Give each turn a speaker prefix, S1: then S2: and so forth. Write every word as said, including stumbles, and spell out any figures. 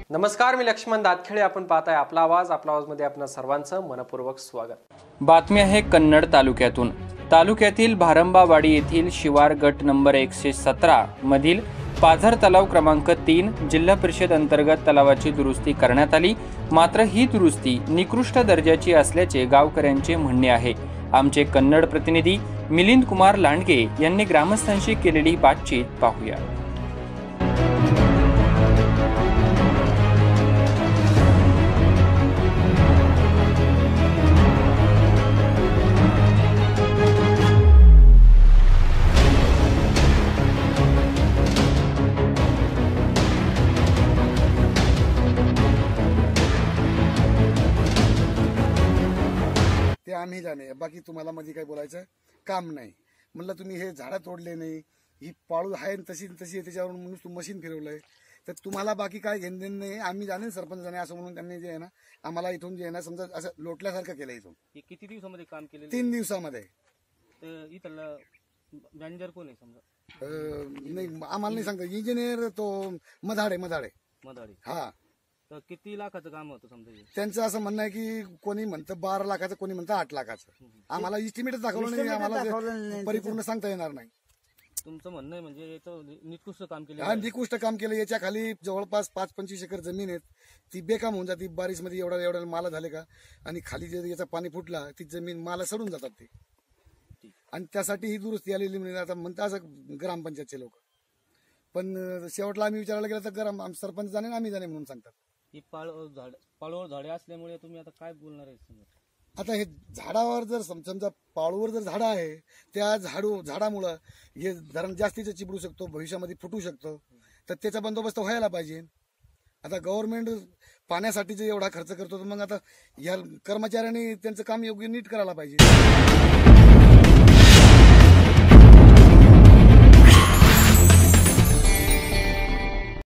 S1: नमस्कार, मी लक्ष्मण दातखेडे. आपण पाहताय आपला आवाज. आपला आवाज मध्ये आपणा सर्वांचं मनपूर्वक स्वागत.
S2: बातमी आहे कन्नड तालुक्यातून. तालुक्यातील भारंबावाडी येथील शिवार गट नंबर एकशे सतरा मधील पाझर तलाव क्रमांक तीन जिल्हा परिषद अंतर्गत तलावाची दुरुस्ती करण्यात आली. मात्र ही दुरुस्ती निकृष्ट दर्जाची असल्याचे गावकऱ्यांचे म्हणणे आहे. आमचे कन्नड प्रतिनिधी मिलिंद कुमार लांडगे यांनी ग्रामस्थांशी केलेली बातचीत पाहूया.
S3: ते आम्ही जाणे, बाकी तुम्हाला मध्ये काही बोलायचं काम नाही. म्हणलं तुम्ही हे झाडं तोडले नाही, ही पाळू आहे तशी तशी आहे, त्याच्यावर म्हणून तू मशीन फिरवलंय, तर तुम्हाला बाकी काय घेणं देणं नाही. आम्ही जाणे सरपंच जाणे असं म्हणून त्यांनी जे आहे ना आम्हाला इथून जे आहे ना समजा असं लोटल्यासारखं केलं. इथून
S4: किती दिवसामध्ये काम केलं?
S3: तीन दिवसामध्ये.
S4: इथला मॅनेजर कोण आहे समजा?
S3: नाही आम्हाला नाही सांगता. इंजिनियर तो मधाडे मधाडे
S4: मधाडे
S3: हा.
S4: तर किती लाखाचं काम होतं समजा?
S3: त्यांचं असं म्हणणं आहे की कोणी म्हणतं बारा लाखाचं, कोणी म्हणतं आठ लाखाचं. आम्हाला इस्टिमेटच दाखवलं नाही, आम्हाला परिपूर्ण सांगता येणार नाही.
S4: तुमचं म्हणणं आहे म्हणजे याचं निकृष्ट काम केलं?
S3: हा, निकृष्ट काम केलं. याच्या खाली जवळपास पाच पंचवीस एकर जमीन आहेत, ती बेकाम होऊन जाते. बारिश मध्ये एवढा एवढ्या माला झाले का, आणि खाली जर याचा पाणी फुटला ती जमीन माला सडून जातात ते. आणि त्यासाठी ही दुरुस्ती आलेली म्हणजे आता म्हणतात असं ग्रामपंचायतचे लोक. पण शेवटला आम्ही विचारायला गेलं तर ग्राम सरपंच जाणे आम्ही जाणे म्हणून सांगतात.
S4: ही पाळ झाड पाळवर झाडे असल्यामुळे तुम्ही आता काय बोलणार आहे समजा?
S3: आता हे झाडावर जर समजा पाळूवर जर झाडं आहे, त्या झाडू झाडामुळं हे धरण जास्तीचं चिबडू शकतो, भविष्यामध्ये फुटू शकतो. तर त्याचा बंदोबस्त व्हायला पाहिजे. आता गव्हर्नमेंट पाण्यासाठी जे एवढा खर्च करतो, तर मग आता या कर्मचाऱ्यांनी त्यांचं काम योग्य नीट करायला पाहिजे.